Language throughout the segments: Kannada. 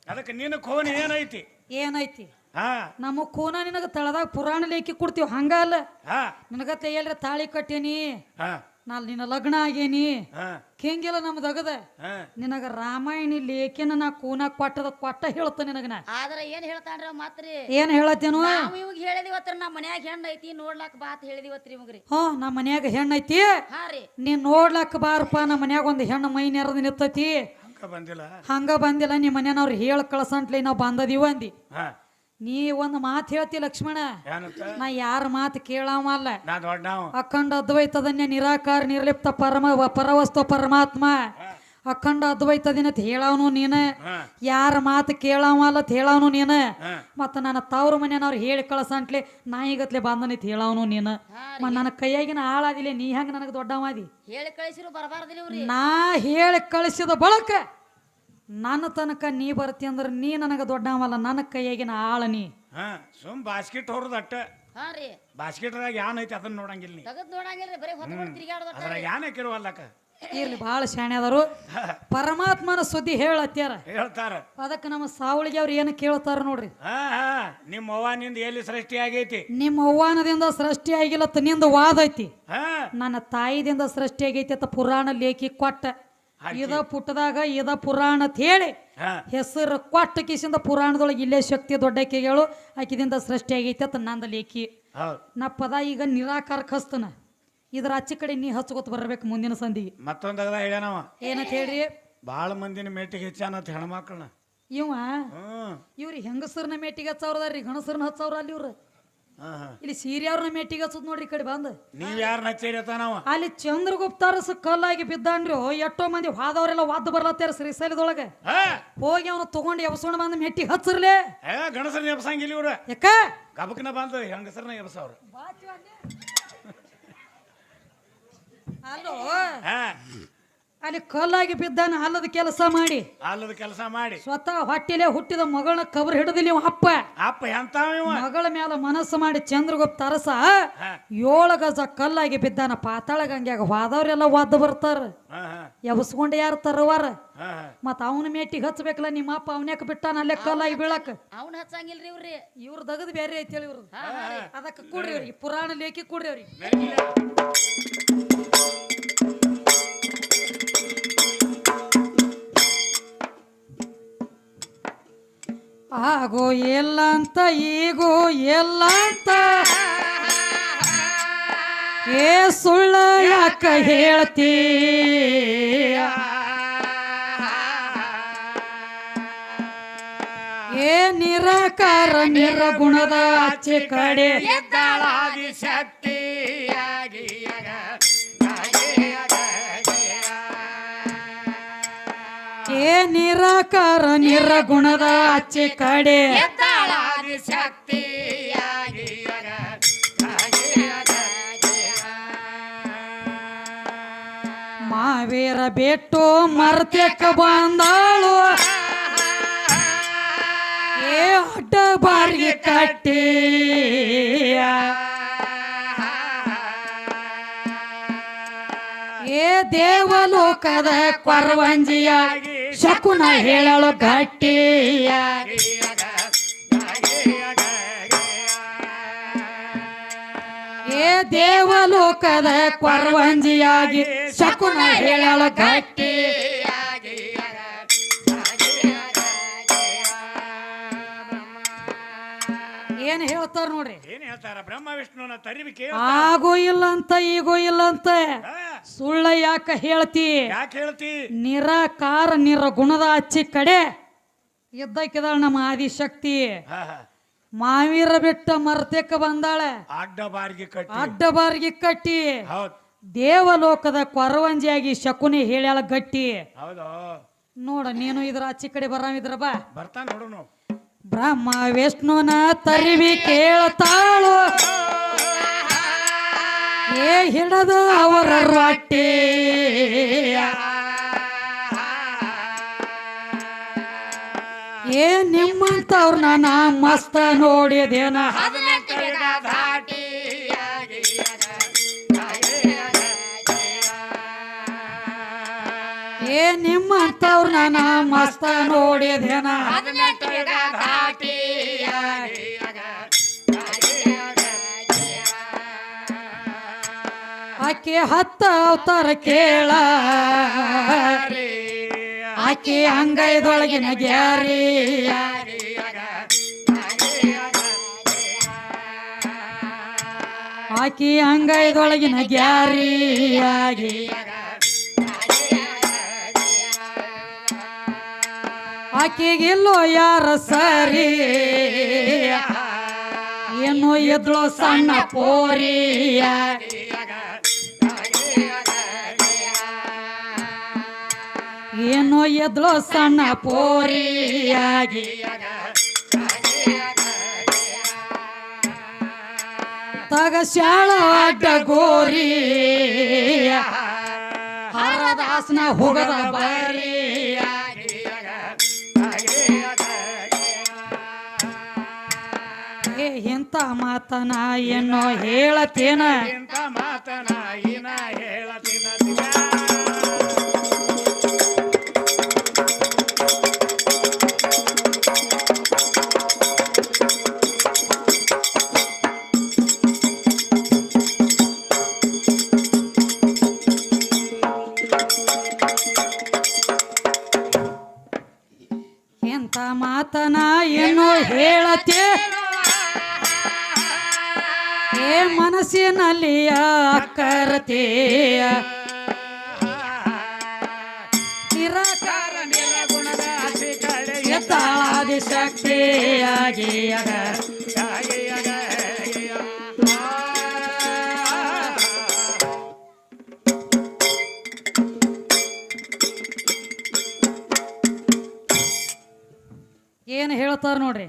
ಅದಕ್ಕೆ ನಿನ್ನ ಕೋನ ಏನೈತಿ ಏನೈತಿ ಹಾ ನಮ್ಮ ಕೋನ ನಿನಗ ತಳದಾಗ ಪುರಾಣ ಲೇಖಿ ಕೊಡ್ತೀವಿ ಹಂಗ ಅಲ್ಲ ಹಾ ನಿನಗ ತೈಯಲ್ರಿ ತಾಳಿ ಕಟ್ಟೇನಿ ಹಾ ನಾಲ್ ನಿನ್ನ ಲಗ್ನ ಆಗೇನಿ ಹಾ ಹಿಂಗೆಲ್ಲ ನಮ್ದಗದ ಹಾ ನಿನಗ ರಾಮಾಯಣಿ ಲೇಖಿನ ನಾ ಕೂನ ಕೊಟ್ಟ ಹೇಳ್ತ ನಿನಗ ನಾ ಆದ್ರ ಏನ್ ಹೇಳ್ತಾನ್ರಿ ಅವ್ ಮಾತ್ರಿ ಏನ್ ಹೇಳತ್ತೇನು ನಾವ್ ಇವಾಗ ಹೇಳಿದಿವತ್ರಿ ನಮ್ಮ ಮನ್ಯಾಗ ಹೆಣ್ಣ ಐತಿ ನೋಡ್ಲಾಕ್ ಬಾತ್ ಹೇಳಿದಿವತ್ರಿ ಇವಾಗ್ರಿ ನಮ್ಮ ಮನ್ಯಾಗ ಹೆಣ್ಣ ಐತಿ ಹಾ ರೀ ನೀನ್ ನೋಡ್ಲಕ್ಕ ಬಾರಪ್ಪ ನಮ್ಮ ಮನ್ಯಾಗ ಒಂದ್ ಹೆಣ್ಣು ಮೈ ನೆರದ್ ನಿತ್ತೈತಿ ಹಂಗ ಬಂದಿಲ್ಲ ಹಂಗ ಬಂದಿಲ್ಲ ನಿಮ್ಮ ಮನೆಯವ್ರು ಹೇಳ ಕಳ್ಸಂಟ್ಲಿ ನಾವ್ ಬಂದದೀವ ಅಂದಿ ಹಾ ನೀ ಒಂದ್ ಮಾತು ಹೇಳ್ತಿ ಲಕ್ಷ್ಮಣ ಏನಂತ ನಾ ಯಾರ ಮಾತು ಕೇಳಾವಲ್ಲ ನಾ ದೊಡ್ಡವ ಅಖಂಡ ಅದ್ವೈತದನ್ಯ ನಿರಾಕಾರ ನಿರ್ಲಿಪ್ತ ಪರವಸ್ತು ಪರಮಾತ್ಮ ಅಖಂಡ ಅದ್ವೈತದಿನತ್ ಹೇಳವನು ನೀನ ಹಾ ಯಾರ ಮಾತು ಕೇಳಾವಲ್ಲ ಹೇಳವನು ನೀನ ಹಾ ಮತ್ತ ನನ್ನ ತವ್ರ ಮನೆಯವ್ರು ಹೇಳಿ ಕಳ್ಸಂಟ್ಲಿ ನಾಯಿಗತ್ಲೆ ಬಂದನಿತ್ ಹೇಳವನು ನೀನ ಮತ್ತ ನನ್ನ ಕೈಯಾಗಿನ ಆಳಾದಿಲ್ಲ ನೀ ಹೆಂಗ ನನಗೆ ದೊಡ್ಡವಾದಿ ಹೇಳಿ ಕಳಿಸಿರು ಬರಬಾರ್ದಿಲ್ಲ ನಾ ಹೇಳಿ ಕಳಿಸಿದ ಬಳಕ ನನ್ನ ತನಕ ನೀ ಬರ್ತಿ ಅಂದ್ರ ನೀ ನನಗ ದೊಡ್ಡವಲ್ಲ ನನ್ನ ಕೈಯಾಗಿನ ಆಳ ನೀ ಹಾ ಸುಮ್ ಬಾಸ್ಕೆಟ್ ಹೊರದ್ ಅಟ್ಟ ಹಾ ರೀ ಬಾಸ್ಕೆಟ್ದಾಗ ಯಾನ್ ಐತಿ ಅದನ್ನ ನೋಡಂಗಿಲ್ಲ ನೀ ತಗದ್ ನೋಡಂಗಿಲ್ರಿ ಬರೀ ಹೊತ್ಕೊಂಡು ತಿರ್ಗಾಡೋದ ಅದ್ರಾಗ ಯಾನ್ ಹಾಕಿರುವಲ್ಲಕ ಇರ್ಲಿ ಬಹಳ ಶಾಣೆ ಅದಾರು ಪರಮಾತ್ಮನ ಸುದ್ದಿ ಹೇಳತ್ಯಾರ ಹೇಳ್ತಾರ ಅದಕ್ಕೆ ನಮ್ಮ ಸಾವಳಿಗೆ ಅವ್ರು ಏನು ಕೇಳ್ತಾರ ನೋಡ್ರಿ ಹಾ ಹಾ ನಿಮ್ಮ ಅವ್ವ ನಿಂದ ಎಲ್ಲಿ ಸೃಷ್ಟಿ ಆಗೈತಿ ನಿಮ್ಮ ಅವ್ವಾನದಿಂದ ಸೃಷ್ಟಿ ಆಗಿಲ್ಲತ್ತ ನಿಂದ ವಾದ ಐತಿ ಹಾ ನನ್ನ ತಾಯಿದಿಂದ ಸೃಷ್ಟಿ ಆಗೈತಿ ಅಂತ ಪುರಾಣ ಲೇಖಿ ಕೊಟ್ಟ ಇದ ಪುಟ್ಟದಾಗ ಇದ ಪುರಾಣ ಅಂತ ಹೇಳಿ ಹಾ ಹೆಸರು ಕೊಟ್ಟ ಕಿಸಿಂದ ಪುರಾಣದೊಳಗೆ ಇಲ್ಲೇ ಶಕ್ತಿ ದೊಡ್ಡಕ್ಕಿಗಳು ಆಕಿದಿಂದ ಸೃಷ್ಟಿ ಆಗೈತಿ ಅಂತ ನಂದ ಲೇಖಿ ಹೌದ್ ನಾ ಪದ ಈಗ ನಿರಾಕಾರಕ್ಕೆ ಹಸ್ತನ ಇದ್ರ ಆಚೆ ಕಡೆ ನೀ ಹಚ್ಕೋತ ಬರ್ಬೇಕು ಮುಂದಿನ ಸಂದಿಗೆ ಮತ್ತೊಂದಾಗ ಹೇಳ್ಯಾನವ ಏನಂತ ಹೇಳ್ರಿ ಬಾಳ ಮಂದಿನ ಮೇಟಿಗೆ ಹೆಚ್ಚಾನತ್ ಹೆಣ್ಮಕ್ಳನ್ನ ಇವ ಹ್ಮ್ ಇವ್ರಿ ಹೆಂಗಸರ್ನ ಮೇಟಿಗೆ ಹಚ್ಚವ್ರದಾರ್ರಿ ಗಣಸರ್ನ ಹಚ್ಚವ್ರ ಅಲ್ಲಿ ಇವ್ರ ಹಾ ಹಾ ಇಲ್ಲಿ ಸೀರಿಯವ್ರನ್ನ ಮೇಟಿಗೆ ಹಚ್ಚದ್ ನೋಡ್ರಿ ಈ ಕಡೆ ಬಂದ್ ನೀವ್ ಯಾರನ್ನ ಹಚ್ಚಿರತಾನವ ಅಲ್ಲಿ ಚಂದ್ರಗುಪ್ತಾರಸ ಕಲ್ಲಾಗಿ ಬಿದ್ದಾನ್ರಿ ಎಷ್ಟೋ ಮಂದಿ ಹೋದವರೆಲ್ಲ ವಾದ ಬರ್ಲತ್ತಾರ ಶ್ರೀಶೈಲದೊಳಗೆ ಹಾ ಹೋಗಿ ಅವನು ತಗೊಂಡು ಎಬ್ಸೋಣ ಬಂದ್ ಮೆಟ್ಟಿಗೆ ಹಚ್ಚರ್ಲೆ ಏ ಗಣಸರ್ನ ಎಬ್ಸಂಗಿಲ್ಲ ಇವ್ರ ಯಾಕ ಗಬಕ್ನ ಬಂದು ಹೆಂಗಸರ್ನ ಎಬ್ಸವ್ರ ಅಲ್ಲೋ ಹಾ ಅಲ್ಲಿ ಕಲ್ಲಾಗಿ ಬಿದ್ದಾನ ಅಲ್ಲದ ಕೆಲಸ ಮಾಡಿ ಅಲ್ಲದ ಕೆಲಸ ಮಾಡಿ ಸ್ವತಃ ಹೊಟ್ಟಿಲೆ ಹುಟ್ಟಿದ ಮಗಳನ್ನ ಕಬರ್ ಹಿಡಿದಿಲ್ಲ ಇವ ಅಪ್ಪ ಅಪ್ಪ ಎಂತಾವ ಇವ ಮಗಳ ಮೇಲೆ ಮನಸ್ಸು ಮಾಡಿ ಚಂದ್ರಗುಪ್ತ ಅರಸ ಹಾ 7 ಗಜ ಕಲ್ಲಾಗಿ ಬಿದ್ದಾನ ಪಾತಾಳ ಗಂಗ್ಯಾಗ ಹೋದವ್ರೆಲ್ಲ ವಾದ ಬರ್ತಾರ ಹಾ ಹಾ ಎಬ್ಸ್ಕೊಂಡು ಯಾರು ತರವಾರ ಹಾ ಹಾ ಮತ್ತ ಅವನ ಮೇಟಿಗೆ ಹಚ್ಬೇಕಲ್ಲ ನಿಮ್ಮ ಅಪ್ಪ ಅವನ್ಯಾಕ ಬಿಟ್ಟಾನ ಅಲ್ಲೇ ಕಲ್ಲಾಗಿ ಬೀಳಕ್ ಅವ್ನ ಹಚ್ಚಂಗಿಲ್ರಿ ಇವ್ರಿ ಇವ್ರ ದಗದ್ ಬೇರೆ ಐತಿ ಹೇಳಿ ಇವ್ರದ್ದು ಅದಕ್ಕೆ ಕೂಡ್ರಿ ಅವ್ರಿಗೆ ಪುರಾಣ ಲೇಖಿ ಕೂಡ್ರಿ ಅವ್ರಿಗೆ ಆಗೋ ಎಲ್ಲ ಅಂತ ಈಗೋ ಎಲ್ಲ ಅಂತ ಏ ಸುಳ್ಳ ಯಾಕ ಹೇಳ್ತೀ ಏ ನಿರಾಕಾರ ನಿರ್ಗುಣದ ಆಚೆ ಕಡೆ ಎದ್ದಾಳಾದಿ ಶಕ್ತಿಯಾಗಿ ಏ ನಿರಾಕಾರ ನಿರ್ಗುಣದ ಆಚೆ ಕಡೆ ಎದ್ದಾಳಾದಿ ಶಕ್ತಿಯಾಗಿ ಮಾವೇರ ಬಿಟ್ಟು ಮರ್ತಕ್ಕ ಬಂದಾಳು ಏ ಅಡ್ಡ ಬಾರಿಗೆ ಕಟ್ಟಿ ಏ ದೇವಲೋಕದ ಕೊರವಂಜಿಯಾಗಿ ಶಕುನ ಹೇಳಲು ಗಟ್ಟಿಯಾಗಿ ಏ ದೇವಲೋಕದ ಕೊರವಂಜಿಯಾಗಿ ಶಕುನ ಹೇಳಲು ಗಟ್ಟಿಯಾಗಿ ಏನ್ ಹೇಳ್ತಾರ ನೋಡ್ರಿ ಏನ್ ಹೇಳ್ತಾರ ಬ್ರಹ್ಮ ವಿಷ್ಣುನ ತರಿವಿಕೆ ಆಗೋ ಇಲ್ಲ ಅಂತ ಈಗೋ ಇಲ್ಲ ಅಂತ ಸುಳ್ಳ ಯಾಕ ಹೇಳ್ತಿ ಯಾಕೆ ಹೇಳ್ತಿ ನಿರಾಕಾರ ನಿರ್ಗುಣದ ಅಚ್ಚಿ ಕಡೆ ಇದ್ದಕ್ಕಿದಾಳ ನಮ್ಮ ಆದಿಶಕ್ತಿ ಹಾ ಹಾ ಮಾವೀರ ಬಿಟ್ಟ ಮರ್ತಕ್ಕ ಬಂದಾಳೆ ಅಡ್ಡ ಬಾರಿಗೆ ಕಟ್ಟಿ ಅಡ್ಡ ಬಾರಿಗೆ ಕಟ್ಟಿ ಹೌದ್ ದೇವಲೋಕದ ಕೊರವಂಜಿಯಾಗಿ ಶಕುನಿ ಹೇಳ್ಯಾಳ ಗಟ್ಟಿ ಹೌದು ನೋಡ ನೀನು ಇದ್ರ ಆಚೆ ಕಡೆ ಬರಾಮಿದ್ರ ಬಾ ಬರ್ತಾನ ನೋಡು ಬ್ರಹ್ಮ ವಿಷ್ಣುನ ತರಿವಿ ಕೇಳ್ತಾಳು ಏ ಹಿಡದ ಅವರ ರೊಟ್ಟಿ ಏ ನಿಮ್ಮಂತವ್ರನ್ನ ನಾ ಮಸ್ತ ನೋಡಿದೇನ ಏ ನಿಮ್ಮಂತವ್ರ ನಾನ ಮಸ್ತ ನೋಡಿದೇನ ಆಕೆ 10 ಅವತಾರ ಕೇಳ ಆಕೆ ಅಂಗೈದೊಳಗಿನ ಗ್ಯಾರಿ ಆಕೆ ಅಂಗೈದೊಳಗಿನ ಗ್ಯಾರಿಯಾಗಿ ಆಕೆಗೆಲ್ಲೋ ಯಾರ ಸರಿ ಏನು ಎದ್ಳೋ ಸಣ್ಣ ಪೋರಿಯ ಏನೋ ಎದ್ಳೋ ಸಣ್ಣ ಪೋರಿಯಾಗಿ ತಗ ಶಾಳ ಅಡ್ಡ ಗೋರಿ ಹರದಾಸನ ಹೋಗದ ಬಾರಿ ಎಂತ ಮಾತನ ಏನೋ ಹೇಳತೇನ ಇಂಥ ಮಾತನ ಏನ ಹೇಳತಿನ ಎಂತ ಮಾತನ ಏನೋ ಹೇಳತೇ ಏ ಮನಸ್ಸಿನಲ್ಲಿಯ ಅಕ್ಕರತೆಯ ನಿರಾಕಾರ ನಿರ್ಗುಣದ ಆಸೆ ಕಡೆ ಎತ್ತಾದಿ ಶಕ್ತಿಯಾಗಿ ಏನು ಹೇಳ್ತಾರ ನೋಡ್ರಿ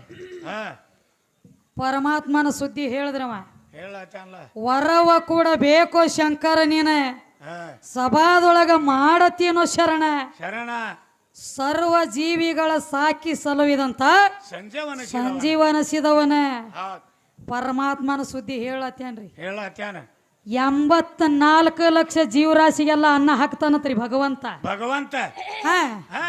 ಪರಮಾತ್ಮನ ಸುದ್ದಿ ಹೇಳಿದ್ರವ ಹೇಳತ್ತಲ್ಲ ವರವ ಕೂಡ ಬೇಕು ಶಂಕರ ನೀನ ಸಭಾದೊಳಗ ಮಾಡತೀನೋ ಶರಣ ಶರಣ ಸರ್ವ ಜೀವಿಗಳ ಸಾಕಿ ಸಲುವಿದಂತ ಸಂಜೀವನ ಸಂಜೀವನಿಸಿದವನ ಪರಮಾತ್ಮನ ಸುದ್ದಿ ಹೇಳತ್ತೇನ್ರಿ ಹೇಳತ್ಯಾನ 84 ಲಕ್ಷ ಜೀವರಾಶಿಗೆಲ್ಲ ಅನ್ನ ಹಾಕ್ತಾನತ್ರಿ ಭಗವಂತ ಭಗವಂತ ಹಾ ಹಾ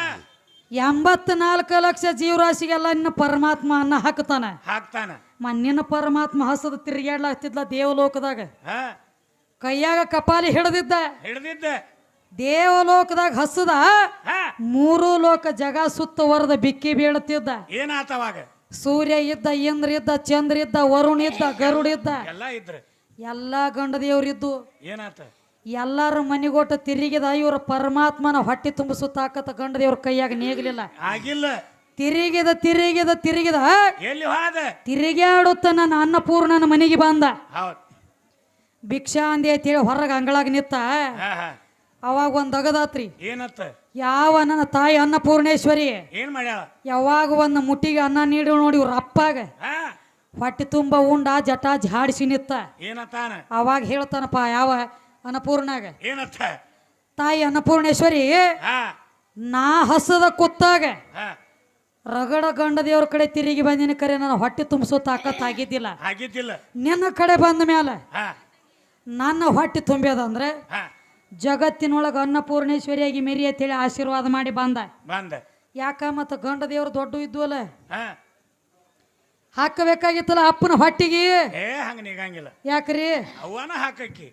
84 ಲಕ್ಷ ಜೀವರಾಶಿಗೆಲ್ಲ ಇನ್ನ ಪರಮಾತ್ಮ ಅನ್ನ ಹಾಕ್ತಾನ ಹಾಕ್ತಾನ ಮಣ್ಣಿನ ಪರಮಾತ್ಮ ಹಸದ ತಿರುಗಾಡ್ಲಾಗ್ತಿದ್ಲ ದೇವಲೋಕದಾಗ ಹಾ ಕೈಯಾಗ ಕಪಾಲಿ ಹಿಡ್ದಿದ್ದ ಹಿಡ್ದಿದ್ದ ದೇವಲೋಕದಾಗ ಹಸದ ಹಾ 3 ಲೋಕ ಜಗ ಸುತ್ತವರದ ಬಿಕ್ಕಿ ಬೀಳುತ್ತಿದ್ದ ಏನಾತವಾಗ ಸೂರ್ಯ ಇದ್ದ ಇಂದ್ರ ಇದ್ದ ಚಂದ್ರ ಇದ್ದ ವರುಣ ಇದ್ದ ಗರುಡ ಇದ್ದ ಎಲ್ಲ ಇದ್ರ ಎಲ್ಲಾ ಗಂಡ ದೇವ್ರಿದ್ದು ಏನಾತ ಎಲ್ಲಾರ ಮನಿಗೊಟ್ಟ ತಿರುಗಿದ ಇವ್ರ ಪರಮಾತ್ಮನ ಹೊಟ್ಟೆ ತುಂಬಿಸುತ್ತಾಕತ್ತ ಗಂಡ ದೇವ್ರ ಕೈಯಾಗ ನೇಗಲಿಲ್ಲ ಆಗಿಲ್ಲ ತಿರುಗಿದ ತಿರುಗಿದ ತಿರುಗಿದ ಎಲ್ಲಿ ಹೋದ ತಿರುಗಾಡುತ್ತ ನನ್ನ ಅನ್ನಪೂರ್ಣನ ಮನೆಗೆ ಬಂದ ಹೌದ್ ಭಿಕ್ಷಾ ಅಂದಿ ಅಂತೇಳಿ ಹೊರಗೆ ಅಂಗಳಾಗ ನಿತ್ತ ಹಾ ಹಾ ಅವಾಗ ಒಂದ್ ಅಗದಾತ್ರಿ ಏನತ್ತ ಯಾವ ನನ್ನ ತಾಯಿ ಅನ್ನಪೂರ್ಣೇಶ್ವರಿ ಏನ್ ಮಾಡ್ಯಾಳ ಯಾವಾಗ ಒಂದು ಮುಟ್ಟಿಗೆ ಅನ್ನ ನೀಡಿ ನೋಡಿ ಇವ್ರ ಅಪ್ಪಾಗ ಹಾ ಹೊಟ್ಟೆ ತುಂಬ ಉಂಡ ಜಟ ಜಾಡಿಸಿ ನಿತ್ತ ಏನತ್ತಾನ ಅವಾಗ ಹೇಳ್ತಾನಪ್ಪ ಯಾವ ಅನ್ನಪೂರ್ಣಾಗ ಏನತ್ತ ತಾಯಿ ಅನ್ನಪೂರ್ಣೇಶ್ವರಿ ಹಾ ನಾ ಹಸದ ಕುತ್ತಾಗ ಹಾ ರಗಡ ಗಂಡ ದೇವ್ರ ಕಡೆ ತಿರುಗಿ ಬಂದಿನ ಕರೆ ನನ್ನ ಹೊಟ್ಟೆ ತುಂಬಿಸೋ ತಾಕತ್ ಆಗಿದ್ದಿಲ್ಲ ಆಗಿದ್ದಿಲ್ಲ ನಿನ್ನ ಕಡೆ ಬಂದ ಮೇಲೆ ಹಾ ನನ್ನ ಹೊಟ್ಟೆ ತುಂಬ್ಯದಂದ್ರೆ ಹಾ ಜಗತ್ತಿನೊಳಗೆ ಅನ್ನಪೂರ್ಣೇಶ್ವರಿಯಾಗಿ ಮೆರಿ ಅಂತೇಳಿ ಆಶೀರ್ವಾದ ಮಾಡಿ ಬಂದ ಬಂದ ಯಾಕ ಮತ್ತು ಗಂಡ ದೇವ್ರು ದೊಡ್ಡ ಇದ್ವಲ್ಲ ಹಾ ಹಾಕಬೇಕಾಗಿತ್ತಲ್ಲ ಅಪ್ಪನ ಹೊಟ್ಟಿಗೆ ಏ ಹಂಗ ನಿಗಂಗಿಲ್ಲ ಯಾಕ್ರಿ ಅವನ ಹಾಕಕ್ಕಿ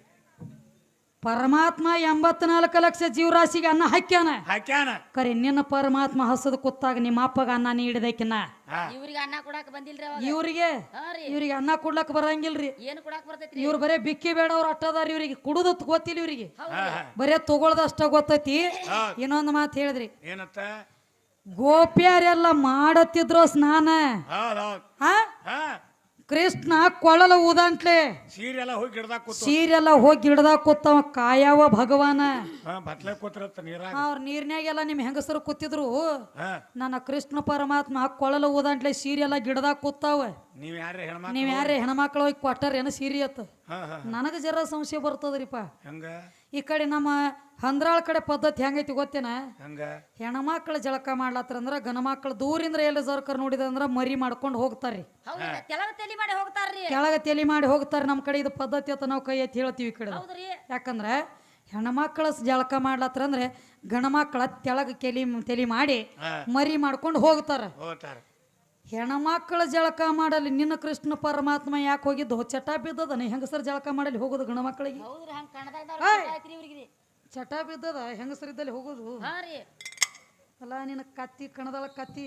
ಪರಮಾತ್ಮ 84 ಲಕ್ಷ ಜೀವರಾಶಿಗೆ ಅನ್ನ ಹಾಕ್ಯಾನ ಹಾಕ್ಯಾನ ಕರೆ ನಿನ್ನ ಪರಮಾತ್ಮ ಹಸದ ಕುತ್ತಾಗ ನಿಮ್ಮ ಅಪ್ಪಗ ಅನ್ನ ನೀಡಿದಕಿನ ಹಾ ಇವ್ರಿಗೆ ಅನ್ನ ಕೊಡಾಕ ಬಂದಿಲ್ರಿ ಅವಾಗ ಇವ್ರಿಗೆ ಹಾ ರೀ ಇವ್ರಿಗೆ ಅನ್ನ ಕೊಡ್ಲಕ್ ಬರಂಗಿಲ್ರಿ ಏನು ಕೊಡಾಕ ಬರ್ತೈತ್ರಿ ಇವ್ರು ಬರೇ ಬಿಕ್ಕಿ ಬೇಡವ್ರು ಅಟ್ಟದಾರ ಇವ್ರಿಗೆ ಕುಡುದ ಗೊತ್ತಿಲ್ಲ ಇವ್ರಿಗೆ ಹಾ ಹಾ ಬರೇ ತಗೊಳ್ದಷ್ಟ ಗೊತ್ತೈತಿ ಹೌದ್. ಇನ್ನೊಂದು ಮಾತು ಹೇಳಿದ್ರಿ ಏನತ್ತ ಗೋಪ್ಯಾರೆಲ್ಲ ಮಾಡತ್ತಿದ್ರು ಸ್ನಾನ ಹೌದ್ ಹೌದ್ ಹಾ ಹಾ ಕೃಷ್ಣ ಕೊಳಲ ಊದಂಟ್ಲೆ ಸೀರೆ ಎಲ್ಲ ಹೋಗಿ ಗಿಡದಾಗ ಕೂತು ಸೀರೆಲ್ಲ ಹೋಗಿ ಗಿಡದಾಗ ಕೂತವ ಕಾಯವ ಭಗವಾನ ಹಾ ಬತ್ಲೆ ಕೂತ್ರತ್ತ ನೀರಾಗ ಅವ್ರ ನೀರ್ನ್ಯಾಗೆಲ್ಲ ನಿಮ್ ಹೆಂಗಸರು ಕೂತಿದ್ರು ಹಾ ನನ್ನ ಕೃಷ್ಣ ಪರಮಾತ್ಮ ಕೊಳಲ ಊದಂಟ್ಲೆ ಸೀರೆಲ್ಲ ಗಿಡದಾಗ ಕೂತಾವ ನೀವ್ ಯಾರೇ ಹೆಣ್ಮಕ್ಳು ನೀವ್ ಯಾರೇ ಹೆಣ್ಮಕ್ಳು ಹೋಗಿ ಕೊಟ್ಟಾರ ಏನೋ ಸೀರೆ ಅತ್ತ ಹಾ ಹಾ ನನಗ ಜರ ಸಂಶಯ ಬರ್ತದ್ರಿಪ್ಪ ಹಂಗ ಈ ಕಡೆ ನಮ್ಮ ಹಂದ್ರಾಳ ಕಡೆ ಪದ್ಧತಿ ಹೆಂಗೈತಿ ಗೊತ್ತೇನ ಹಂಗ ಹೆಣ್ಮಕ್ಳು ಜಳಕ ಮಾಡ್ಲತ್ತಾರ ಅಂದ್ರ ಗಣಮಕ್ಳು ದೂರಿಂದ ಎಲ್ಲ ಜರ್ಕರ್ ನೋಡಿದಂದ್ರ ಮರಿ ಮಾಡ್ಕೊಂಡು ಹೋಗ್ತಾರ್ರಿ ಹೌದ್ರಿ ತೆಲಗ ತಲಿ ಮಾಡಿ ಹೋಗ್ತಾರ್ರಿ ಕೆಳಗ ತೆಲಿ ಮಾಡಿ ಹೋಗ್ತಾರೆ ನಮ್ಮ ಕಡೆ ಇದು ಪದ್ಧತಿ ಅಂತ ನಾವು ಕೈ ಎತ್ತಿ ಹೇಳ್ತೀವಿ ಈ ಕಡೆ ಹೌದ್ರಿ ಯಾಕಂದ್ರೆ ಹೆಣ್ಮಕ್ಳ ಜಳಕ ಮಾಡ್ಲತ್ರ ಅಂದ್ರೆ ಗಣಮಕ್ಳ ತೆಳಗ ತಲೆ ಮಾಡಿ ಹಾ. ಮರಿ ಮಾಡ್ಕೊಂಡು ಹೋಗ್ತಾರ. ಹೋಗ್ತಾರ. ಹೆಣ್ಮಕ್ಳ ಜಳಕ ಮಾಡಲಿ ನಿನ್ನ ಕೃಷ್ಣ ಪರಮಾತ್ಮ ಯಾಕೆ ಹೋಗಿದ್ದು ಚಟ ಬಿದ್ದದ ಹೆಂಗಸರ ಜಳಕ ಮಾಡಲಿ ಹೋಗೋದು ಗಣಮಕ್ಳಿಗೆ ಹೌದ್ರಿ ಹಂಗ ಕಣದಾಗ ಚಟ ಬಿದ್ದದ ಹೆಂಗಸರಿದ್ದಲ್ಲಿ ಹೋಗೋದು. ಹಾ ರೀ ಅಲ್ಲ ನಿನ್ನ ಕತ್ತಿ ಕಣದಳ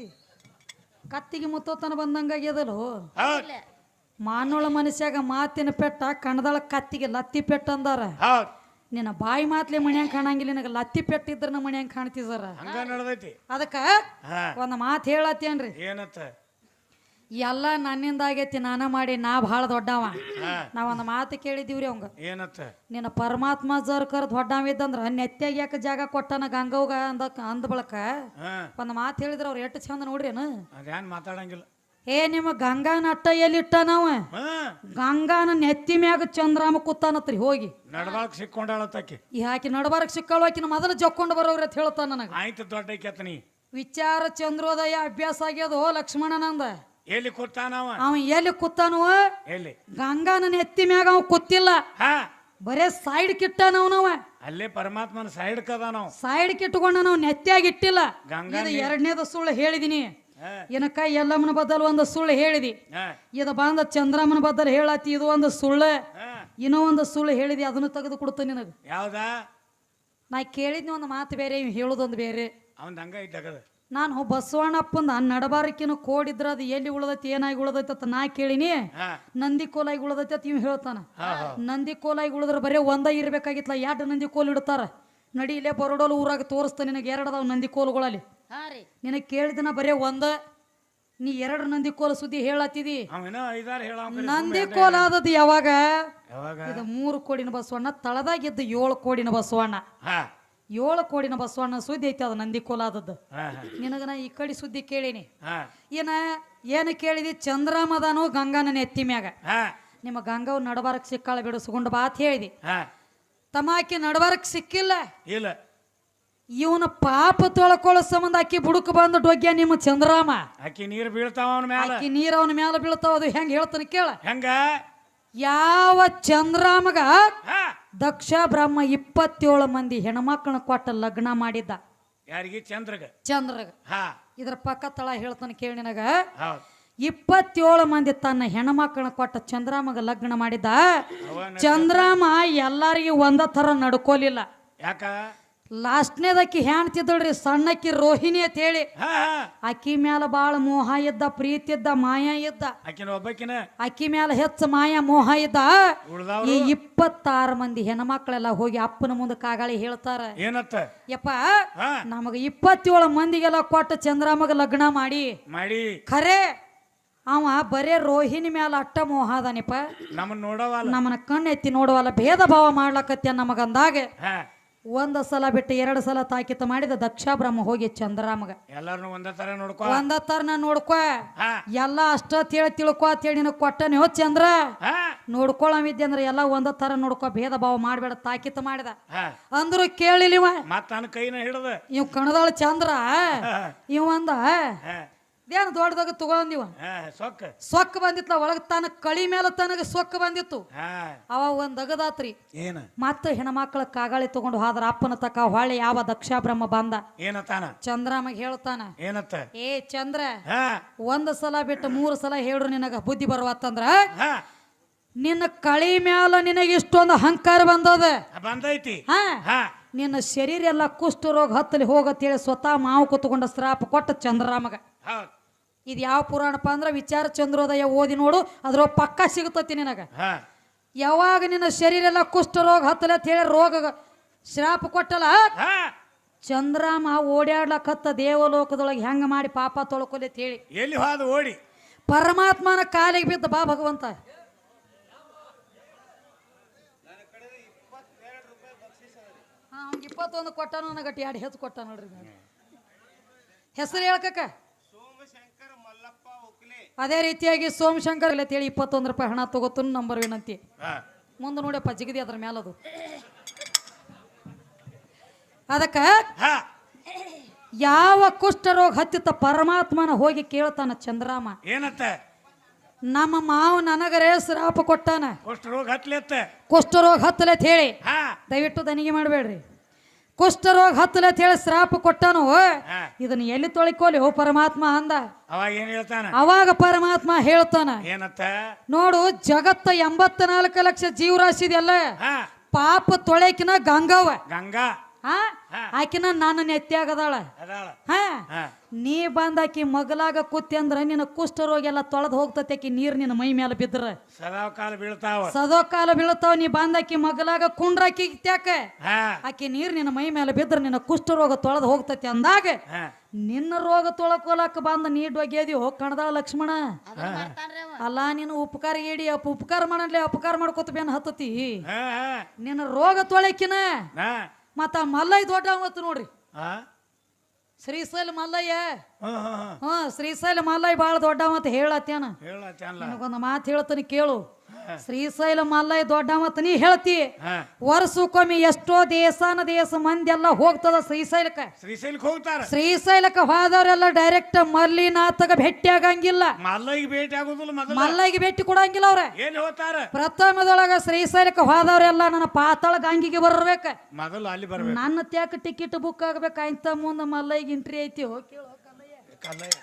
ಕತ್ತಿಗೆ ಮುತ್ತೋತನ ಬಂದಂಗಾಗ್ಯದಲ್ಲೋ. ಹೌದ್ ಮಾನೋಳ ಮನುಷ್ಯಾಗ ಮಾತಿನ ಪೆಟ್ಟ ಕಣದಳ ಕತ್ತಿಗೆ ಲತ್ತಿ ಪೆಟ್ಟ ಅಂದಾರ. ಹೌದ್ ನಿನ್ನ ಬಾಯಿ ಮಾತ್ಲೆ ಮನ್ಯಾಂಗ ಕಾಣಂಗಿಲ್ಲ ನಿನಗೆ ಲತ್ತಿ ಪೆಟ್ಟಿದ್ರ ನಮ್ಮ ಮನ್ಯಾಂಗ ಕಾಣ್ತಿದಾರ. ಹಂಗ ನಡ್ದೈತಿ. ಅದಕ್ಕ ಹಾ ಒಂದ್ ಮಾತು ಹೇಳತ್ತೇನ್ರಿ, ಏನತ್ತ? ಎಲ್ಲ ನನ್ನಿಂದ ಆಗೈತಿ ನಾನ ಮಾಡಿ ನಾ ಭಾಳ ದೊಡ್ಡವ. ಹಾ ನಾವೊಂದು ಮಾತು ಕೇಳಿದೀವ್ರಿ ಅವಂಗ, ಏನತ್ತ? ನಿನ್ನ ಪರಮಾತ್ಮ ಜರ್ಕರ್ ದೊಡ್ಡವಿದ್ದಂದ್ರ ನೆತ್ತಾಗ ಯಾಕೆ ಜಾಗ ಕೊಟ್ಟನ ಗಂಗವ್ಗ ಅಂದ ಬಳಕ ಹಾ ಒಂದು ಮಾತು ಹೇಳಿದ್ರ ಅವ್ರು ಎಷ್ಟು ಚಂದ ನೋಡ್ರೇನು. ಅದೇನ್ ಮಾತಾಡಂಗಿಲ್ಲ. ಏ ನಿಮ್ಮ ಗಂಗಾನ ಅಟ್ಟ ಎಲ್ಲಿಟ್ಟ ನಾವ ಹಾ ಗಂಗಾನ ನೆತ್ತಿ ಮ್ಯಾಗ ಚಂದ್ರಾಮ ಕೂತಾನತ್ರಿ ಹೋಗಿ ನಡ್ಬಾಳಕ್ ಸಿಕ್ಕೊಂಡಾಳತ್ತಾಕಿ. ಈ ಹಾಕಿ ನಡಬಾರಕ್ ಸಿಕ್ಕಳು ಆಕಿನ ಮೊದಲು ಜಕ್ಕೊಂಡು ಬರೋವ್ರಿ ಅಂತ ಹೇಳ್ತಾನ ನನಗ. ಆಯ್ತು ದೊಡ್ಡ ಕೆತ್ತನಿ ವಿಚಾರ ಚಂದ್ರೋದಯ ಅಭ್ಯಾಸ ಆಗ್ಯದೋ ಲಕ್ಷ್ಮಣನಂದ. ಎಲ್ಲಿ ಕೂತಾನವ? ಅವ ಎಲ್ಲಿ ಕೂತಾನವ? ಎಲ್ಲಿ? ಗಂಗಾನ ನೆತ್ತಿ ಮ್ಯಾಗ ಅವ ಕೂತಿಲ್ಲ, ಹಾ ಬರೇ ಸೈಡ್ ಕಿಟ್ಟನವನವ. ಅಲ್ಲೇ ಪರಮಾತ್ಮನ ಸೈಡ್ ಕದ ನಾವು ಸೈಡ್ ಕಿಟ್ಕೊಂಡ ನಾವು ನೆತ್ತಿಯಾಗಿ ಇಟ್ಟಿಲ್ಲ. ಗಂಗಾ ಇದು ಎರಡನೇದ ಸುಳ್ಳು ಹೇಳಿದಿನಿ. ಹಾ ಏನಕ್ಕ ಎಲ್ಲಮ್ಮನ ಬದಲು ಒಂದು ಸುಳ್ಳು ಹೇಳಿದಿ. ಹಾ ಇದು ಬಂದ ಚಂದ್ರಮ್ಮನ ಬದಲು ಹೇಳತ್ತಿ, ಇದು ಒಂದು ಸುಳ್ಳು. ಹಾ ಇನ್ನೂ ಒಂದು ಸುಳ್ಳು ಹೇಳಿದಿ, ಅದನ್ನು ತೆಗೆದು ಕೊಡ್ತೇನೆ ನಿನಗ. ಯಾವ್ದಾ? ನಾ ಕೇಳಿದ್ನಿ ಒಂದು ಮಾತು ಬೇರೆ, ಇವ್ ಹೇಳೋದೊಂದು ಬೇರೆ. ಅವನ್ ಹಂಗ ಇದ್ದಾಗದ. ನಾನು ಬಸವಣ್ಣಪ್ಪಂದ ನಡಬಾರಕಿನ ಕೋಡಿದ್ರ ಅದು ಎಲ್ಲಿ ಉಳದೈತಿ ಏನಾಗಿ ಉಳದೈತಿ ಅಂತ ನಾ ಕೇಳಿನಿ. ಹಾ ನಂದಿ ಕೋಲಾಗಿ ಉಳದೈತಿ ಅಂತ ಇವ್ ಹೇಳ್ತಾನ. ಹಾ ಹಾ ನಂದಿ ಕೋಲಾಗಿ ಉಳಿದ್ರೆ ಬರೀ ಒಂದ ಇರ್ಬೇಕಾಗಿತ್ತಲ್ಲ, ಎರಡು ನಂದಿ ಕೋಲ್ ಇಡ್ತಾರ. ನಡಿ ಇಲ್ಲೇ ಬರೋಡೋಲು ಊರಾಗ ತೋರಿಸ್ತಾನೆ ನಿನಗೆ, ಎರಡು ಅದಾವ ನಂದಿ ಕೋಲುಗಳಲ್ಲಿ. ಹಾ ರೀ ನಿನಗೆ ಕೇಳಿದನ ಬರೀ ಒಂದ, ನೀ ಎರಡು ನಂದಿ ಕೋಲ ಸುದ್ದಿ ಹೇಳತ್ತಿದಿ. ಅವನ ಐದಾರು ಹೇಳ. ನಂದಿ ಕೋಲ ಆದದ್ದು ಯಾವಾಗ? ಯಾವಾಗ? ಇದು 3 ಕೋಡಿನ ಬಸವಣ್ಣ, ತಳದಾಗಿದ್ದು 7 ಕೋಡಿನ ಬಸವಣ್ಣ. ಹಾ 7 ಕೋಡಿನ ಬಸವಣ್ಣ ಸುದ್ದಿ ಐತಿ, ಅದು ನಂದಿ ಕೋಲ ಆದದ್ದು. ಹಾ ಹಾ ನಿನಗ ನಾ ಈ ಕಡೆ ಸುದ್ದಿ ಕೇಳೀನಿ. ಹಾ ಏನು ಕೇಳಿದಿ? ಚಂದ್ರಮದಾನು ಗಂಗಾನ ಎತ್ತಿ ಮ್ಯಾಗ. ಹಾ ನಿಮ್ಮ ಗಂಗವ್ ನಡಬಾರಕ್ ಸಿಕ್ಕಾಳ ಬಿಡಿಸ್ಕೊಂಡು ಬಾತ್ ಹೇಳಿದಿ. ಹಾ ತಮಾಕಿ ನಡಬಾರಕ್ ಸಿಕ್ಕಿಲ್ಲ. ಇಲ್ಲ. ಇವನ ಪಾಪ ತೊಳ್ಕೊಳ್ಳೋ ಸಂಬಂಧ ಅಕ್ಕಿ ಬುಡುಕ್ ಬಂದು ಡೊಗ್ಯ ನಿಮ್ಮ ಚಂದ್ರಾಮ. ಅಕ್ಕಿ ನೀರು ಬೀಳ್ತಾವ ಅವನ ಮ್ಯಾಲ. ಅಕ್ಕಿ ನೀರ್ ಅವನ ಮ್ಯಾಲ ಬೀಳ್ತಾವ. ಅದು ಹೆಂಗ್ ಹೇಳ್ತಾನೆ ಕೇಳ. ಹೆಂಗ? ಯಾವ ಚಂದ್ರಾಮಗ ಹಾ ದಕ್ಷ ಬ್ರಹ್ಮ 27 ಮಂದಿ ಹೆಣ್ಮಕ್ಳನ್ನ ಕೊಟ್ಟ ಲಗ್ನ ಮಾಡಿದ್ದ. ಯಾರಿಗೆ? ಚಂದ್ರಗ. ಚಂದ್ರಗ. ಹಾ ಇದ್ರ ಪಕ್ಕ ತಳ ಹೇಳ್ತಾನೆ ಕೇಳಿ ನಿನಗ. ಹೌದ್ 27 ಮಂದಿ ತನ್ನ ಹೆಣ್ಮಕ್ಳನ್ನ ಕೊಟ್ಟ ಚಂದ್ರಾಮಗ ಲಗ್ನ ಮಾಡಿದ್ದ. ಅವನ ಚಂದ್ರಾಮ ಎಲ್ಲಾರಿಗೆ ಒಂದ ಥರ ನಡ್ಕೋಲಿಲ್ಲ. ಯಾಕ? ಲಾಸ್ಟ್ನೇದಕ್ಕಿ ಹೆಣ್ತಿದ್ದಳ್ರಿ ಸಣ್ಣಕ್ಕಿ ರೋಹಿಣಿ ಅಂತ ಹೇಳಿ. ಹಾ ಹಾ ಅಕ್ಕಿ ಮ್ಯಾಲ ಬಾಳ ಮೋಹ ಇದ್ದ, ಪ್ರೀತಿ ಇದ್ದ, ಮಾಯ ಇದ್ದ. ಆಕಿನ ಒಬ್ಬಕಿನ ಅಕ್ಕಿ ಮ್ಯಾಲ ಹೆಚ್ಚ ಮಾಯ ಮೋಹ ಇದ್ದ. ಉಳ್ದವ್ರು ಈ 26 ಮಂದಿ ಹೆಣ್ಮಕ್ಳೆಲ್ಲ ಹೋಗಿ ಅಪ್ಪನ ಮುಂದೆ ಕಾಗಾಳಿ ಹೇಳ್ತಾರ, ಏನತ್ತ? ಯಪ್ಪ ಹಾ ನಮಗ 27 ಮಂದಿಗೆಲ್ಲ ಕೊಟ್ಟ ಚಂದ್ರಾಮಗ ಲಗ್ನ ಮಾಡಿ ಮಾಡಿ ಖರೆ ಅವ ಬರೇ ರೋಹಿಣಿ ಮ್ಯಾಲ ಅಟ್ಟ ಮೋಹ ಅದಾನಿಪ್ಪ, ನಮ್ಮನ್ನ ನೋಡವಲ್ಲ, ನಮ್ಮನ್ನ ಕಣ್ಣೆತ್ತಿ ನೋಡುವಲ್ಲ, ಭೇದ ಭಾವ ಮಾಡ್ಲಕತ್ಯ ನಮಗಂದಾಗ ಹಾ ಒಂದ ಸಲ ಬಿಟ್ಟು 2 ಸಲ ತಾಕಿತ ಮಾಡಿದ ದಕ್ಷ ಬ್ರಹ್ಮ ಹೋಗಿ ಚಂದ್ರಾಮಗ ಎಲ್ಲಾರನು ಒಂದ ತರ ನೋಡ್ಕೊ. ಒಂದ ತರನ ನೋಡ್ಕೊ, ಹಾ ಎಲ್ಲ ಅಷ್ಟ ತಿಳ್ಕೊ ಅಂತೇಳಿ ನಿನಗೆ ಕೊಟ್ಟನೆ ಹೋ ಚಂದ್ರ. ಹಾ ನೋಡ್ಕೊಳವಿದ್ದೆ ಅಂದ್ರೆ ಎಲ್ಲ ಒಂದ ತರ ನೋಡ್ಕೊ, ಭೇದ ಭಾವ ಮಾಡ್ಬೇಡ ತಾಕಿತ ಮಾಡಿದ. ಹಾ ಅಂದ್ರು ಕೇಳಿಲಿವ, ಮತ್ತ ನನ್ನ ಕೈನ ಹಿಡ್ದ ಇವ್ ಕಣದಾಳ ಚಂದ್ರ ಇವ ಅಂದ ಹಾ ಇದೇನು ದೊಡ್ಡದಾಗ ತಗೊಂದಿವ ಹಾ ಸೊಕ್ಕ ಸೊಕ್ಕ ಬಂದಿತ್ಲ ಒಳಗ ತನ್ನ ಕಳಿ ಮೇಲೆ ತನಗ ಸೊಕ್ಕ ಬಂದಿತ್ತು. ಹಾ ಅವ ಒಂದ್ ಅಗದಾತ್ರಿ. ಏನ? ಮತ್ತ ಹೆಣ್ಮಕ್ಳ ಕಾಗಾಳಿ ತಗೊಂಡು ಹೋದ್ರ ಅಪ್ಪನ ತಕ ಹೊಳ್ಳಿ ಯಾವ ದಕ್ಷ ಬ್ರಹ್ಮ ಬಂದ ಏನತ್ತಾನ? ಚಂದ್ರಾಮಗ್ ಹೇಳ್ತಾನ, ಏನತ್ತ? ಏ ಚಂದ್ರ ಹಾ ಒಂದ್ ಸಲ ಬಿಟ್ಟು 3 ಸಲ ಹೇಳ್ರು ನಿನಗ ಬುದ್ಧಿ ಬರುವತ್ತಂದ್ರ ಹಾ ನಿನ್ನ ಕಳಿ ಮ್ಯಾಲ ನಿನಗೆ ಇಷ್ಟೊಂದು ಅಹಂಕಾರ ಬಂದದ. ಬಂದೈತಿ. ಹಾ ಹಾ ನಿನ್ನ ಶರೀರ ಎಲ್ಲ ಕುಷ್ಠ ರೋಗ ಹತ್ತಲಿ ಹೋಗತ್ತೇಳಿ ಸ್ವತಃ ಮಾವು ಕೂತ್ಕೊಂಡ ಶ್ರಾಪ ಕೊಟ್ಟ ಚಂದ್ರಾಮಗ. ಹೌದ್. ಇದು ಯಾವ ಪುರಾಣಪ್ಪ ಅಂದ್ರ ವಿಚಾರ ಚಂದ್ರೋದಯ ಓದಿ ನೋಡು, ಅದ್ರ ಪಕ್ಕ ಸಿಗುತ್ತತಿ ನಿನಗ. ಹಾ ಯಾವಾಗ ನಿನ್ನ ಶರೀರ ಎಲ್ಲ ಕುಷ್ಠ ರೋಗ ಹತ್ತಲಿ ಅಂತ ಹೇಳಿ ರೋಗ ಶ್ರಾಪ ಕೊಟ್ಟಲ್ಲ, ಹಾ ಚಂದ್ರಾಮ ಓಡಾಡ್ಲಕತ್ತ ದೇವಲೋಕದೊಳಗೆ ಹೆಂಗ ಮಾಡಿ ಪಾಪ ತೊಳ್ಕೊಲಿ ಅಂತ ಹೇಳಿ ಎಲ್ಲಿ ಹೋದ ಓಡಿ ಪರಮಾತ್ಮನ ಕಾಲಿಗೆ ಬಿದ್ದ, ಬಾ ಭಗವಂತ 21 ಕೊಟ್ಟಾನ, ನನಗಟ್ಟಿ 2 ಹೆಚ್ಚು ಕೊಟ್ಟ ನೋಡ್ರಿ. ಹೆಸರು ಹೇಳ್ಕಕ್ಕ. ಅದೇ ರೀತಿಯಾಗಿ ಸೋಮಶಂಕರ್ ಅಂತೇಳಿ 21 ರೂಪಾಯಿ ಹಣ ತಗೋತನು ನಂಬರ್ ವಿನಂತಿ. ಮುಂದೆ ನೋಡಪ್ಪ ಜಿಗದಿ ಅದ್ರ ಮ್ಯಾಲದು. ಅದಕ್ಕ ಯಾವ ಕುಷ್ಠ ರೋಗ ಹತ್ತಿತ್ತ ಪರಮಾತ್ಮನ ಹೋಗಿ ಕೇಳ್ತಾನ ಚಂದ್ರಾಮ, ಏನತ್ತ? ನಮ್ಮ ಮಾವ ನನಗರೇ ಶ್ರಾಪ ಕೊಟ್ಟಾನ ಅಷ್ಟು ರೋಗ ಹತ್ಲೆತ್ತ ಕುಷ್ಠರೋಗ ಹತ್ತಲೆ ಅಂತ ಹೇಳಿ ಹಾ ದಯವಿಟ್ಟು ದನಿಗೆ ಮಾಡಬೇಡ್ರಿ ಕುಷ್ಠರೋಗ ಹತ್ತಲೆ ಅಂತ ಹೇಳಿ ಶ್ರಾಪ ಕೊಟ್ಟಾನು ಹಾ ಇದನ್ನ ಎಲ್ಲಿ ತೊಳಿಕೋಲಿ ಓ ಪರಮಾತ್ಮ ಅಂದ ಅವಾಗ ಏನ್ ಹೇಳ್ತಾನ ಅವಾಗ ಪರಮಾತ್ಮ ಹೇಳ್ತಾನ ಏನತ್ತ ನೋಡು ಜಗತ್ತ 84 ಲಕ್ಷ ಜೀವರಾಶಿ ಇದೆಯಲ್ಲ ಹಾ ಪಾಪ ತೊಳೆಕಿನ ಗಂಗವ್ವ ಗಂಗಾ ಹಾ ಆಕಿನ ನನ್ನ ನೆತ್ತಿಯಾಗದಾಳ ಅದಾಳ ಹಾ ಹಾ ನೀ ಬಂದಾಕಿ ಮಗಲಾಗ ಕೂತಿ ಅಂದ್ರ ನಿನ್ನ ಕುಷ್ಠರೋಗ ಎಲ್ಲ ತೊಳೆದು ಹೋಗ್ತತಿ ಆಕಿ ನೀರ್ ನಿನ್ನ ಮೈ ಮೇಲೆ ಬಿದ್ರ ಸದಾ ಕಾಲ ಬೀಳ್ತಾವ ಸದೋ ಕಾಲ ಬೀಳ್ತಾವ ನೀ ಬಂದಾಕಿ ಮಗಲಾಗ ಕುಂಡ್ರಾಕಿ ತ್ಯಾಕ ಹಾ ಆಕಿ ನೀರ್ ನಿನ್ನ ಮೈ ಮೇಲೆ ಬಿದ್ರ ನಿನ್ನ ಕುಷ್ಠರೋಗ ತೊಳೆದು ಹೋಗ್ತತಿ ಅಂದಾಗ ಹಾ ನಿನ್ನ ರೋಗ ತೊಳಕೋಲಕ್ಕ ಬಂದ ನೀ ಡೊಗ್ಯದಿ ಹೋಗ್ ಕಣದಾಳ ಲಕ್ಷ್ಮಣ ಅದನ್ನ ಮಾಡ್ತಾನ್ರಿ ಅವ. ಅಲ್ಲ ನೀನು ಉಪಕಾರ ಏಡಿ ಉಪಕಾರ ಮಾಡಲಿ ಅಪಕಾರ ಮಾಡ್ಕೊತ ಬೇನ್ ಹತ್ತತಿ ಹಾ ಹಾ ನಿನ್ನ ರೋಗ ತೊಳಕಿನ ಹಾ ಮತ್ತ ಮಲ್ಲಯ್ಯ ದೊಡ್ಡ ಅವತ್ತು ನೋಡ್ರಿ ಹಾ ಶ್ರೀಶೈಲ ಮಲ್ಲಯ್ಯ ಹಾ ಹಾ ಹಾ ಶ್ರೀಶೈಲ ಮಲ್ಲಯ್ಯ ಬಾಳ ದೊಡ್ಡವ ಅಂತ ಹೇಳತ್ತೇನ ಹೇಳತ್ತಲ್ಲ ನಿನಗೊಂದು ಮಾತು ಹೇಳ್ತೀನಿ ಕೇಳು ಶ್ರೀಶೈಲ ಮಲ್ಲಯ್ಯ ದೊಡ್ಡವ ಅಂತ ನೀ ಹೇಳ್ತಿ ಹಾ ವರ್ಷಕ್ಕೊಮ್ಮೆ ಎಷ್ಟೋ ದೇಶ ಮಂದಿ ಎಲ್ಲ ಹೋಗ್ತದ ಶ್ರೀಶೈಲಕ್ಕ ಶ್ರೀಶೈಲಕ್ಕೆ ಹೋಗ್ತಾರ ಶ್ರೀಶೈಲಕ್ಕ ಹೋದವರೆಲ್ಲ ಡೈರೆಕ್ಟ್ ಮಲ್ಲಿನಾಥಗ ಭೇಟಿ ಆಗಂಗಿಲ್ಲ ಮಲ್ಲಯ್ಯಗೆ ಭೇಟಿ ಆಗುದಿಲ್ಲ ಮೊದಲು ಮಲ್ಲಯ್ಯಗೆ ಭೇಟಿ ಕೊಡಂಗಿಲ್ಲ ಅವ್ರ ಎಲ್ಲಿ ಹೋಗ್ತಾರ ಪ್ರಥಮದೊಳಗ ಶ್ರೀಶೈಲಕ್ಕೆ ಹೋದವರೆಲ್ಲ ನನ್ನ ಪಾತಾಳ ಗಂಗಿಗೆ ಬರ್ಬೇಕ ಮೊದಲು ಅಲ್ಲಿ ಬರ್ಬೇಕು ನನ್ನ ತ್ಯಾಕ ಟಿಕೆಟ್ ಬುಕ್ ಆಗ್ಬೇಕ ಇಂತ ಮುಂದೆ ಮಲ್ಲಯ್ಯಗೆ ಎಂಟ್ರಿ ಐತಿ ಹೋಗಿ ಕೇಳು ಕಲ್ಲಯ್ಯ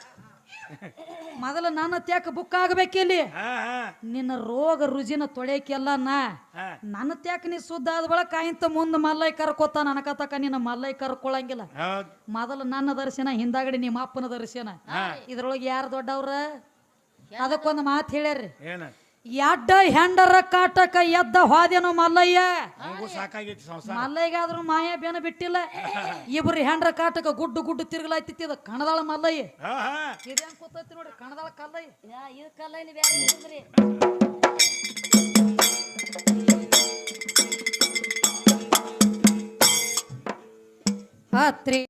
ಮೊದಲ ನನ್ನ ತ್ಯಾಕ ಬುಕ್ ಆಗ್ಬೇಕಿಲ್ಲಿ ಹಾ ಹಾ ನಿನ್ನ ರೋಗ ರುಜಿನ ತೊಳೆಯಕೆಲ್ಲ ನಾ ಹಾ ನನ್ನ ತ್ಯಾಕ ನೀ ಶುದ್ಧ ಆದ ಬಳಕ ಇಂತ ಮುಂದೆ ಮಲ್ಲಯ್ಯ ಕರ್ಕೋತ ನನಕತಕ ನಿನ್ನ ಮಲ್ಲಯ್ಯ ಕರ್ಕೊಳಂಗಿಲ್ಲ ಹೌದ್ ಮೊದಲು ನನ್ನ ದರ್ಶನ ಹಿಂದಾಗಡಿ ನಿಮ್ಮ ಅಪ್ಪನ ದರ್ಶನ ಇದ್ರೊಳಗೆ ಯಾರು ದೊಡ್ಡವ್ರ ಅದಕ್ಕೊಂದು ಮಾತು ಹೇಳ್ಯಾರ್ರಿ ಏನ ಎಡ್ಡ ಹೆಂಡರ ಕಾಟಕ ಎದ್ದ ಹೋದೇನು ಮಲ್ಲಯ್ಯ ನಮಗೂ ಸಾಕಾಗೈತಿ ಸಂಸಾರ ಮಲ್ಲಯ್ಯಗಾದ್ರೂ ಮಾಯ ಬೇನ ಬಿಟ್ಟಿಲ್ಲ ಇಬ್ರು ಹೆಂಡ್ರ ಕಾಟಕ ಗುಡ್ಡು ತಿರುಗಲಾಯ್ತಿತ್ತು ಇದು ಕಣದಾಳ ಮಲ್ಲಯ್ಯ ಹಾ ಹಾ ಇದೇನ್ ಕೂತೈತಿ ನೋಡಿ ಕಣದಾಳ ಕಲ್ಲಯ್ಯ ಇದು ಕಲ್ಲೈಲಿ ಬ್ಯಾರೆ ಇರ್ತದ್ರಿ. ಹತ್ರಿ